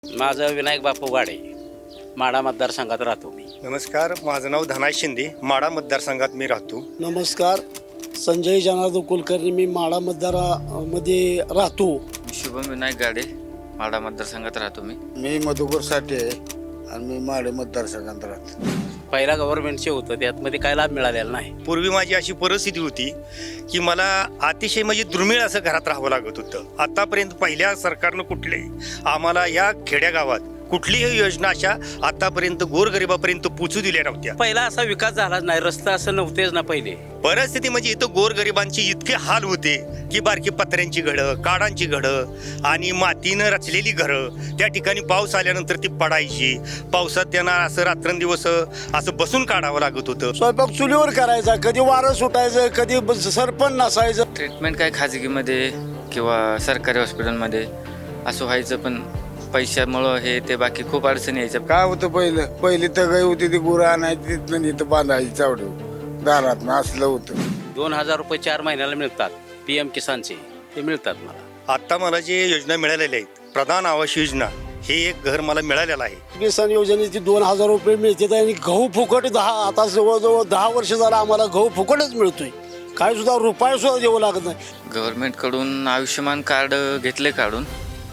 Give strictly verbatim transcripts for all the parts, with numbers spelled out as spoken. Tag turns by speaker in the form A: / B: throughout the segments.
A: माझं विनायक बापू गाडे, माडा मतदारसंघात राहतो मी.
B: नमस्कार, माझं नाव धनाय शिंदे, माडा मतदारसंघात मी राहतो.
C: नमस्कार, संजय जनार्दन कुलकर्णी, मी माडा मतदारामध्ये राहतो.
D: शुभम विनायक गाडे, माडा मतदारसंघात राहतो मी.
E: मी मधुकर साठे आहे आणि मी माडे मतदारसंघात राहतो.
A: पहिला गव्हर्नमेंटचे होतं त्यातमध्ये काय लाभ मिळालेला नाही.
B: पूर्वी माझी अशी परिस्थिती होती की मला अतिशय म्हणजे दुर्मिळ असं घरात राहावं लागत होतं. आतापर्यंत पहिल्या सरकारनं कुठलेही आम्हाला या खेड्यागावात कुठलीही योजना अशा आतापर्यंत गोरगरिबापर्यंत पोचू दिल्या नव्हत्या.
A: पहिला असा विकास झालाच नाही, रस्ता असं नव्हतेच ना पहिले.
B: परिस्थिती म्हणजे इथं गोरगरिबांची इतके हाल होते की बारकी पत्र्यांची घडं, काडांची घडं आणि मातीनं रचलेली घरं त्या ठिकाणी पाऊस आल्यानंतर ती पडायची. पावसात त्यांना असं रात्रंदिवस असं बसून काढावं लागत होतं.
C: स्वयंपाक चुलीवर करायचा, कधी वारं सुटायचं, कधी सरपण नसायचं.
D: ट्रीटमेंट काय खाजगीमध्ये किंवा सरकारी हॉस्पिटलमध्ये असं व्हायचं, पण पैशामुळं हे ते बाकी खूप अडचणी यायच्या.
E: काय होतं पहिलं पहिली तगाई होती ती गुरं आणायची तिथनं इथं बांधायची चावडं दारात असलं होतं.
A: दोन हजार रुपये चार महिन्याला मिळतात पी एम किसानचे, ते मिळतात मला.
B: आता मला जे योजना मिळालेल्या आहेत, प्रधान आवास योजना, हे एक घर मला मिळालेलं आहे.
C: किसान योजनेची दोन हजार रुपये मिळतात आणि गहू फुकट दहा, आता जवळजवळ दहा वर्ष झालं आम्हाला गहू फुकटच मिळतोय. काय सुद्धा रुपये सुद्धा देऊ लागत नाही.
D: गव्हर्नमेंटकडून आयुष्यमान कार्ड घेतले काढून,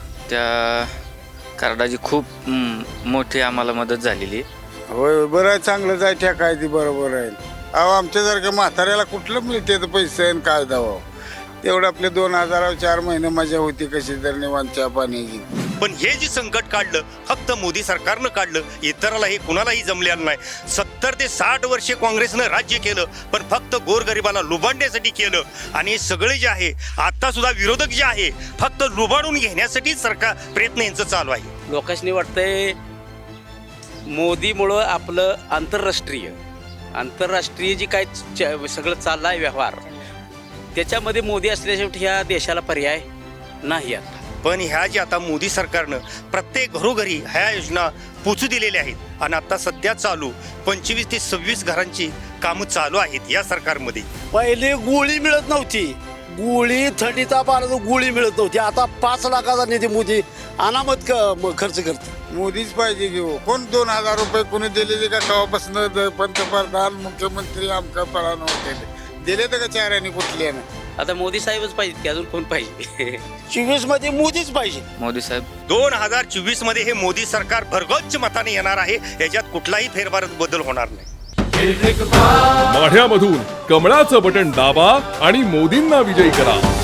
D: त्या कार्डाची खूप हम्म, मोठी आम्हाला मदत झालेली.
E: होय बरं आहे, चांगलं जाय ठेका आहे ती बरोबर आहे. अहो आमच्यासारख्या म्हाताऱ्याला कुठलं मिळते तर पैसे आणि काय द्यावं. तेवढं आपले दोन हजार चार महिने मजा होती कशी तर निवांत चहा पाण्याची.
B: पण हे जे संकट काढलं फक्त मोदी सरकारनं काढलं, इतराला हे कुणालाही जमलेलं नाही. सत्तर ते साठ वर्षे काँग्रेसनं राज्य केलं, पण फक्त गोरगरिबाला लुबाडण्यासाठी केलं. आणि हे सगळे जे आहे आता सुद्धा विरोधक जे आहे फक्त लुबाडून घेण्यासाठी सरकार प्रयत्न यांचं चालू आहे.
A: लोकांनी वाटतंय मोदीमुळं आपलं आंतरराष्ट्रीय आंतरराष्ट्रीय जी काय च- सगळं चाललं आहे व्यवहार, त्याच्यामध्ये मोदी असल्याशिवाय ह्या देशाला पर्याय नाही आता.
B: पण ह्या ज्या आता मोदी सरकारनं प्रत्येक घरोघरी ह्या योजना पोचू दिलेल्या आहेत आणि आता सध्या चालू पंचवीस ते सव्वीस घरांची कामं चालू आहेत या सरकारमध्ये.
C: पहिले गोळी मिळत नव्हती, गोळी थंडीचा पाण्याचा गोळी मिळत नव्हती. आता पाच लाखाचा निधी मोदी अनामत क- खर्च करते.
E: मोदीच पाहिजे घेऊ. कोण दोन हजार रुपये कोणी दिलेले का तेव्हापासून पंतप्रधान मुख्यमंत्री आमका पळानं होते दिले तर का चाराने कुठल्यानं.
A: आता मोदी साहेबच पाहिजे की अजून कोण पाहिजे?
C: चोवीस मध्ये मोदीच पाहिजे.
D: मोदी साहेब
B: दोन हजार चोवीस मध्ये हे मोदी सरकार भरगच्च मताने येणार आहे. याच्यात कुठलाही फेरफार बदल होणार नाही.
F: माढ्यामधून कमळाचं बटन दाबा आणि मोदींना विजयी करा.